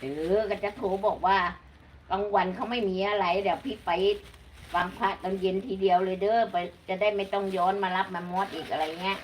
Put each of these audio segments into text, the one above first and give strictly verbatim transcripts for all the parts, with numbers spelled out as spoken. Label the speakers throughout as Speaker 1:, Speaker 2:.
Speaker 1: เออก็จะโทรบอกว่ากลางวันเขาไม่มีอะไรเดี๋ยวพี่ไปฟังพระตอนเย็นทีเดียวเลยเด้อไปจะได้ไม่ต้องย้อนมารับมามอดอีกอะไรเงี้ย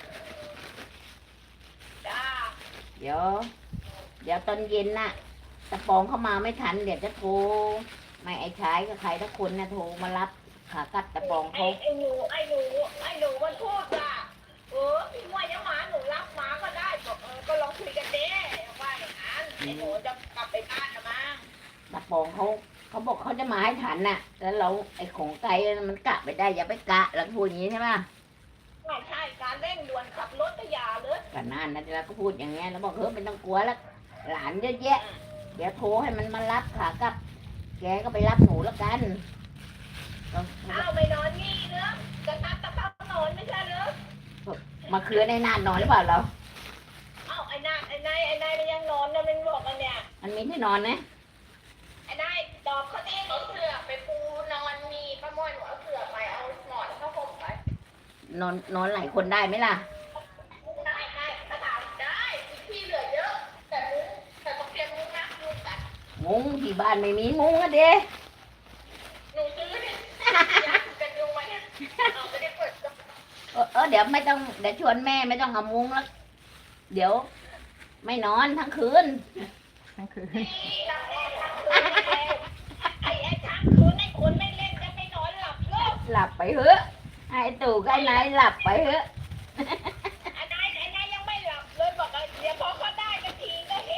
Speaker 2: จ้า
Speaker 1: เดี๋ยว เดี๋ยวตอนเย็นน่ะตะปองเข้ามาไม่ทันเดี๋ยวจะโทรไม่ไอ้ชายกับใครทุกคนนะโทรมารับขากลับตะปอง
Speaker 2: ไอ้
Speaker 1: เขา
Speaker 2: ไอ้หนูไอ้หนูไอ้หนูมันพูดว่าเออพี่ว่าจะมาหนูรับมาก็ได้บอกเออก็ลองคุยกันเด้ว่าอย่างนั้นไอ้หนูจะกลับไปบ้านละมั้ง
Speaker 1: ตะปองเขาเขาบอกเขาจะมาให้ทันน่ะ แล้วเราไอ้ของไกลมันกะไปได้อย่าไปกะแล้วพูดอย่างนี้ใช่ไหม
Speaker 2: ไม่ใช่การเร่งด่วนขับรถก็อย่าเลย
Speaker 1: กันนั่นนะแล้วก็พูดอย่างเงี้ยแล้วบอกเฮ้ยไม่ต้องกลัวแล้วหลานเยอะแยะ เดี๋ยวโทรให้มันมารับขากลับ แกก็ไปรับหนูแล้วกันก็
Speaker 2: เอ้าไม่นอนนี่เนอะจะทับตะพับนอนไม่ใช่เหรอ
Speaker 1: มาคืนในนานนอนหรือเปล่าเรา
Speaker 2: เอ้าไอ้นายไอ้นายไอ้นายมันยังนอนนะมันบอกกันเนี่ย
Speaker 1: มันมีที่นอนไหม
Speaker 2: ไอ้นายตอบเขาเองเอาเสือไปปูนอนมีป้าม้อยหนูเอาเสือไปเอาหมอนเข้าห่มไป
Speaker 1: นอนนอนหลายคนได้ไหมล่ะ
Speaker 2: ได้ได้ถ้าถามได้ที่เหลือเยอะแต่มุ้งแต่ต้องเตรียมมุ้งนะมุ้งกัน
Speaker 1: มุ้งที่บ้านไม่มีมุ้งอะเด้
Speaker 2: หนูซื้อเนี่ยอยากกันยุงมาเนี่ยเอาไม่ได้เปิดก็
Speaker 1: เออเออเดี๋ยวไม่ต้องเดี๋ยวชวนแม่ไม่ต้องเอามุ้งแล้ว เดี๋ยว ไม่นอนทั้งคืน
Speaker 3: ทั้งคืน
Speaker 2: นี่รักแม่ทั้งคืนแล้วไอ้ไอ้ทั้งคืนไอ้คนไม่เล่นจะไม่นอนหลับเลิก
Speaker 1: หลับไปเถอะไอ้ตู่กับไอ้นายหลับไปเถอะ
Speaker 2: ไอ้นายไอ้นายยังไม่หลับเลยบอกว่าเดี๋ยวพอเขาได้กันทีก็เฮ้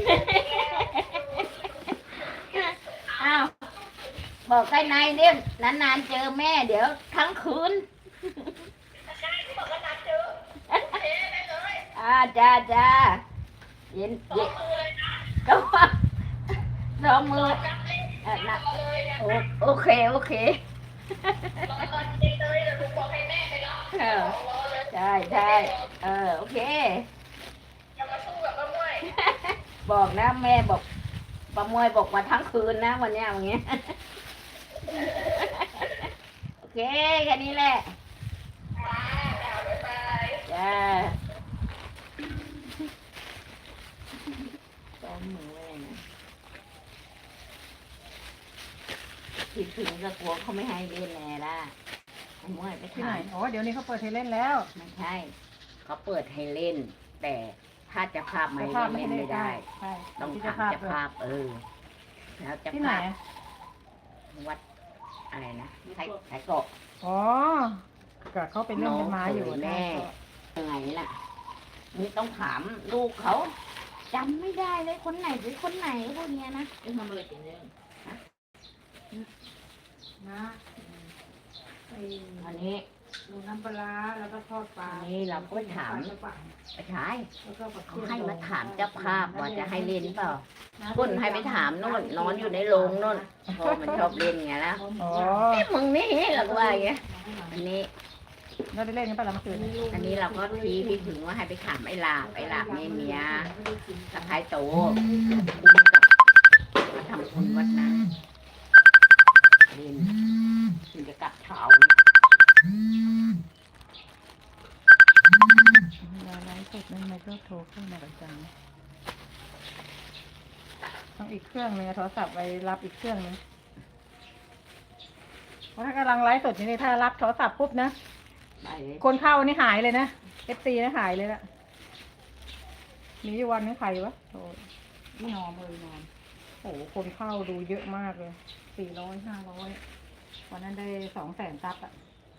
Speaker 1: อ้าวบอกไอ้นายเนี่ยนานๆเจอแม่เดี๋ยวทั้งคืน
Speaker 2: ได้ที่บอกว่านัดเจอโอเคได้เลย
Speaker 1: อ่าจ้าจ้าเย็น
Speaker 2: สอ
Speaker 1: เย็
Speaker 2: ง
Speaker 1: น
Speaker 2: มือเลยนะ
Speaker 1: ก็ว่าสองมือ
Speaker 2: จับเลย
Speaker 1: เออนะ
Speaker 2: เลยนะ
Speaker 1: โอโอเคโอเค
Speaker 2: รอตอนเย็นเลยเดี๋ยวหนูบอกให้แม่ไปรับ
Speaker 1: เออ
Speaker 2: รอเลย
Speaker 1: ใช่ใช่เออโอเค
Speaker 2: อย่ามาสู้กับป้าม้วย
Speaker 1: บอกนะแม่บอกประมวยบอกว่าทั้งคืนนะวันเนี้ยอย่างเงี้ย โอเคแค่นี้แหละ
Speaker 2: มาแล้วบ๊ายบาย
Speaker 1: จ้าซ้อมมือไว้เลยนะคิดถึงก็กลัวเขาไม่ให้เล่นแน่ละไอ้มวยไป
Speaker 3: ที่ไหน
Speaker 1: ถาม
Speaker 3: โอ้เดี๋ยวนี้เขาเปิดให้เล่นแล้ว
Speaker 1: ไม่ใช่ เขาเปิดให้เล่น แต่ถ้าจะภาพไม่
Speaker 3: เจ้าภาพไม่
Speaker 1: เล่น
Speaker 3: ให้เล่
Speaker 1: ไม่
Speaker 3: น
Speaker 1: ได้
Speaker 3: ใช่
Speaker 1: ต้อง
Speaker 3: ที่
Speaker 1: ถา
Speaker 3: เจ้าม ภาพ
Speaker 1: เจะ
Speaker 3: ด้วย
Speaker 1: ภาพเออ แล้วเจะ
Speaker 3: ที่ไหน
Speaker 1: ภาพวัดอะไรนะไทยไทยเกาะ
Speaker 3: อ๋อก็เขาไปเล่นกันมาอยู่
Speaker 1: น้องเขยแม่
Speaker 3: นะ
Speaker 1: ยังไงล่ะนี่ต้องถามลูกเขาจำไม่ได้เลยคนไหนหรือคนไหนพวกเนี้ยนะทำอะไรกันเนี่ย
Speaker 3: นะไอ้
Speaker 1: อันนี้
Speaker 3: ดูน้ำปลาร้าแล้วก็ทอดปลา
Speaker 1: อันนี้เราก็ถาม
Speaker 3: ปลกระป๋อง
Speaker 1: ไปชาย
Speaker 3: แล้วก็ผัก
Speaker 1: เขา
Speaker 3: ชี
Speaker 1: ให้มาถามเจ้าภาพว่าจะให้เล่นเปล่า
Speaker 3: นะ
Speaker 1: คุณให้ไปถามโน่นนอนอยู่ในโรงโน่นเพราะมันชอบเล่นไงแล้ว
Speaker 3: อ๋อ
Speaker 1: เอ้มึงนี่หรอกว่าอย่างเงี้ยอันนี้
Speaker 3: เราได้เล่นกันปะล่ะเมื่อคืน
Speaker 1: อันนี้เราก็ทีพี่ถึงว่าให้ไปถามไอ้ลาบไอ้ลาบเนี่ยเมียสะพ้ายโตคุมกับมาทำคุณวัดนั้นเล่นถึงจะกลับเช้า
Speaker 3: เวลาไลฟ์สดนั่นมันก็โทรเข้ามาประจำต้องอีกเครื่องหนึงอะโทรศัพท์ไปรับอีกเครื่องหนึงเพราะถ้ากำลังไลฟ์สดอยู่นี่ถ้ารับโทรศัพท์ปุ๊บนะ
Speaker 1: ได้เลย
Speaker 3: คนเข้านี่หายเลยนะเอฟซีนะหายเลยละมีอยู่วันนึงใครวะโอ้ยไม่นอนเลยนอนโอ้โหคนเข้าดูเยอะมากเลยสี่ร้อยห้าร้อยวันนั้นได้สองแสนซับอะ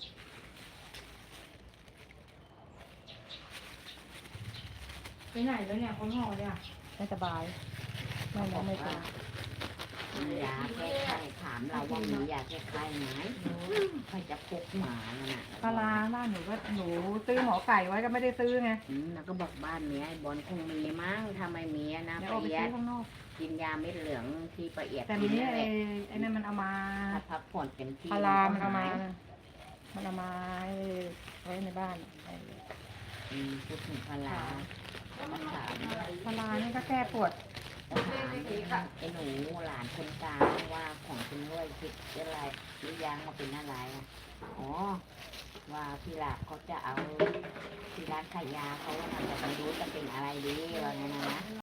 Speaker 3: ไปไหนแล้วเนี่ยคนห่อเนี่ยไม่สบายไม่ไม่ไม่เป็น
Speaker 1: มียาแก้ไข้ถามเราว่ามียาแก้ไข้ไหมใครจะพกหมาน่ะ
Speaker 3: ปลาร้าบ้านหนูก็หนูซื้อหมอไก่ไว้ก็ไม่ได้ซื้อไง
Speaker 1: อืมแล้วก็บอกบ้านเนี้ยไอ้บอลคงมีมั้งถ้าไม่มีอะนะ
Speaker 3: เดี๋ยว
Speaker 1: ป
Speaker 3: เอา
Speaker 1: ระ
Speaker 3: ไป
Speaker 1: เอีย
Speaker 3: ซื้
Speaker 1: ด
Speaker 3: อข้างนอก
Speaker 1: กินยาเม็ดเหลืองที่ประเอียด
Speaker 3: แต่
Speaker 1: กิ
Speaker 3: นี้
Speaker 1: นนั่นแห
Speaker 3: ไอ้
Speaker 1: ละ
Speaker 3: ไอ้นั่นมันเอามา
Speaker 1: ถ้าพักผ่อนเต็มที่
Speaker 3: ปลาร้ามัน
Speaker 1: ก็
Speaker 3: เอามา
Speaker 1: หย
Speaker 3: นะมันเอามาไว้ในบ้านไอ้
Speaker 1: อืมพูดถึงพาราก็มาถาม
Speaker 3: ปลาร้านี่ก็แก้ปวด
Speaker 1: ถามไอ้หนูหลานคนกลางว่าของคุณด้วยคิดอะไรหรือยังมาเป็นอะไรอะอ๋อว่าพี่หลาบเขาจะเอาที่ร้านขายยาเขาว่าแต่ไม่รู้จะเป็นอะไรดีว่าไงนะ